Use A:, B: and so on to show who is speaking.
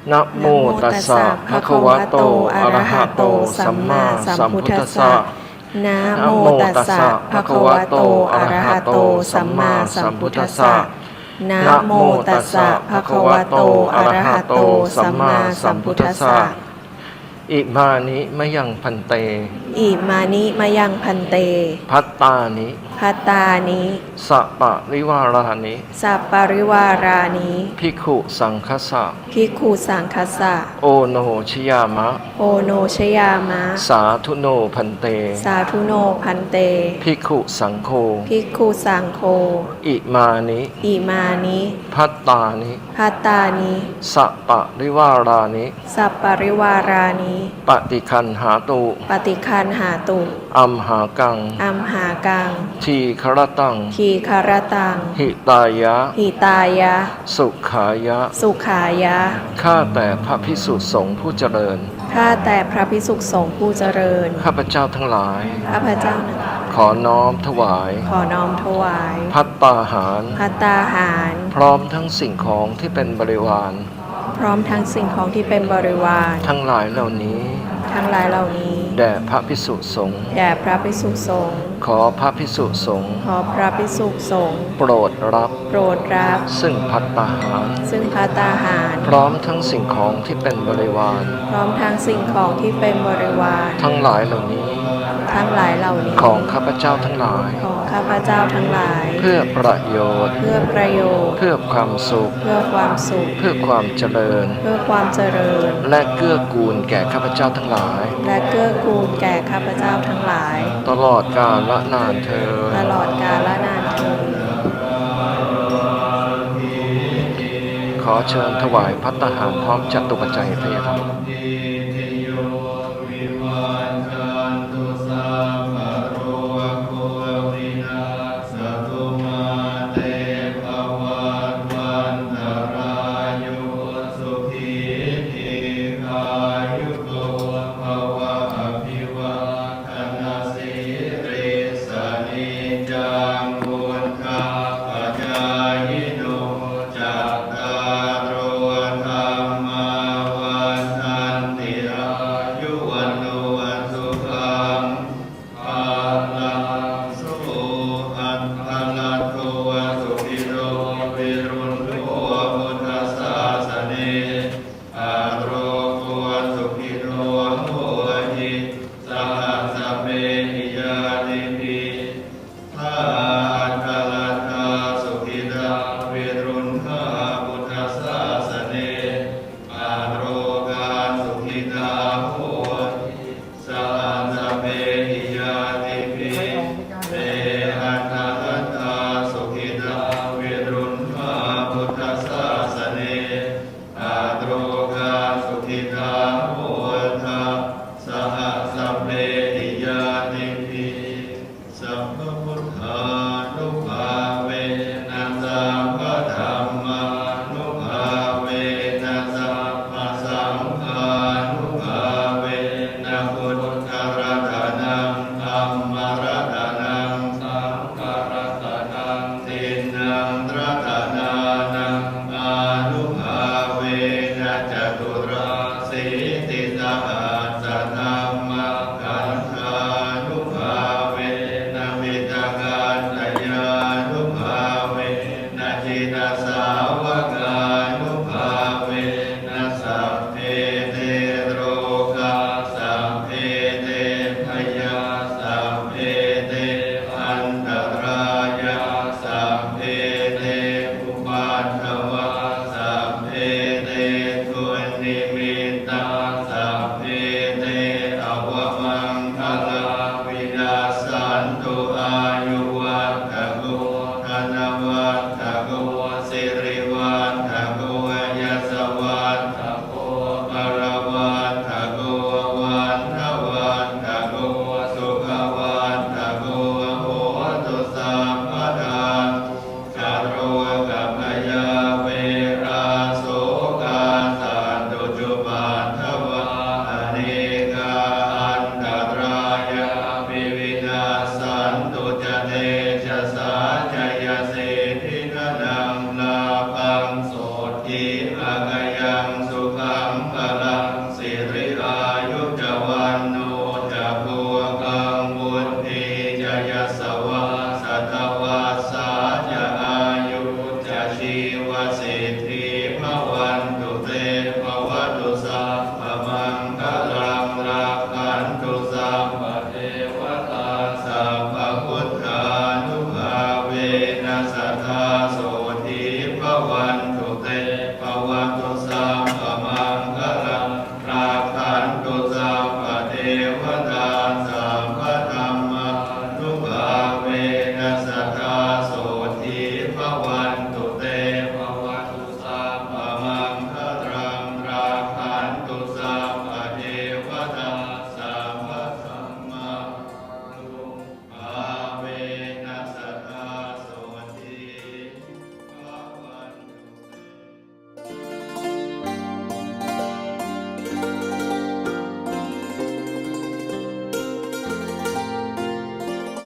A: นะโมตัสสะภะคะวะโตอะระหะโตสัมมาสัมพุทธัสสะ
B: นะ
A: นะ
B: โม
A: โม
B: ตั
A: ตั
B: ส
A: ส
B: สะ
A: สะ
B: ภะ
A: ภะ
B: คะ
A: คะ
B: วะ
A: วะ
B: โต
A: โต
B: อะ
A: อะ
B: ระ
A: ระ
B: หะ
A: หะ
B: โต
A: โต
B: สั
A: สั
B: ม
A: ม
B: มา
A: มา
B: สั
A: สั
B: ม
A: ม
B: พุ
A: พุ
B: ท
A: ท
B: ธั
A: ธั
B: ส
A: ส
B: สะ
A: สะ
B: นะ
A: นะ
B: โม
A: โม
B: ตั
A: ตั
B: ส
A: ส
B: สะ
A: สะ
B: ภะ
A: ภะ
B: คะ
A: คะ
B: วะ
A: วะ
B: โต
A: โต
B: อะ
A: อะ
B: ระ
A: ระ
B: หะ
A: หะ
B: โต
A: โต
B: สั
A: สั
B: ม
A: ม
B: มา
A: มา
B: สั
A: สั
B: ม
A: ม
B: พุ
A: พุ
B: ท
A: ท
B: ธั
A: ธั
B: ส
A: ส
B: สะ
A: สะอิมานิมะยังพันเต
B: อิมานิมายังพันเต
A: พัตตานิ
B: พัตตานิ
A: สัปะริวารานิ
B: สัปปาริวารานิ
A: ภิกขุสังคัสสะ
B: ภิกขุสังคัสสะ
A: โอโนชยามะ
B: โอโนชยามะ
A: สาธุโนพันเต
B: สาธุโนพันเต
A: ภิกขุสังโฆ
B: ภิกขุสังโฆ
A: อิมานิ
B: อิมานิ
A: พัตตานิ
B: พัตตานิ
A: สัปะริวารานิ
B: สัปปาริวารานิ
A: ปฏิคันหาตุ
B: ปฏิคันหาตุ
A: อัมหากัง
B: อัมหากัง
A: ทีครตัง
B: ทีคารตัง
A: หิตายะ
B: หิตายะ
A: สุขายะ
B: สุขายะ
A: ข้าแต่พระภิกษุสงฆ์ผู้เจริญ
B: ข้าแต่พระภิกษุสงฆ์ผู้เจริญ
A: ข้าพเจ้าทั้งหลาย
B: ข้าพเจ้านั้น
A: ขอน้อมถวาย
B: ขอน้อมถวาย
A: ภัตตาหาร
B: ภัตตาหาร
A: พร้อมทั้งสิ่งของที่เป็นบริวาร
B: พร้อมทั้งสิ่งของที่เป็นบริวาร
A: ทั้งหลายเหล่านี้
B: ทั้งหลายเหล่านี้
A: แด่พระภิกษุสงฆ์
B: แด่พระภิกษุสงฆ์
A: ขอพระภิกษุสงฆ์
B: ขอพระภิกษุสงฆ์
A: โปรดรับ
B: โปรดรับ
A: ซึ่งภัตตาหาร
B: ซึ่งภัตตาหาร
A: พร้อมทั้งสิ่งของที่เป็นบริวาร
B: พร้อมทั้งสิ่งของที่เป็นบริวาร
A: ทั้งหลายเหล่านี้
B: ทั้งหลายเหล่านี้
A: ของข้าพเจ้าทั้งหลาย
B: ของข้าพเจ้าทั้งหลาย
A: เพื่อประโยชน์
B: เพื่อประโยชน์
A: เพื่อความสุข
B: เพื่อความสุข
A: เพื่อความเจริญ
B: เพื่อความเจริญ
A: และเกื้อกูลแก่ข้าพเจ้าทั้งหลาย
B: และเกื้อกูลแก่ข้าพเจ้าทั้งหลาย
A: ตลอดกาลละนานเธอญ
B: ตลอดกาลนานเทอญ
A: ขอเชิญถวายภัตตาหารพร้อมจตุปัจจัยทายธรรม
C: จักตารโอธรรมวันทันตินะสัทธาโสติภวัน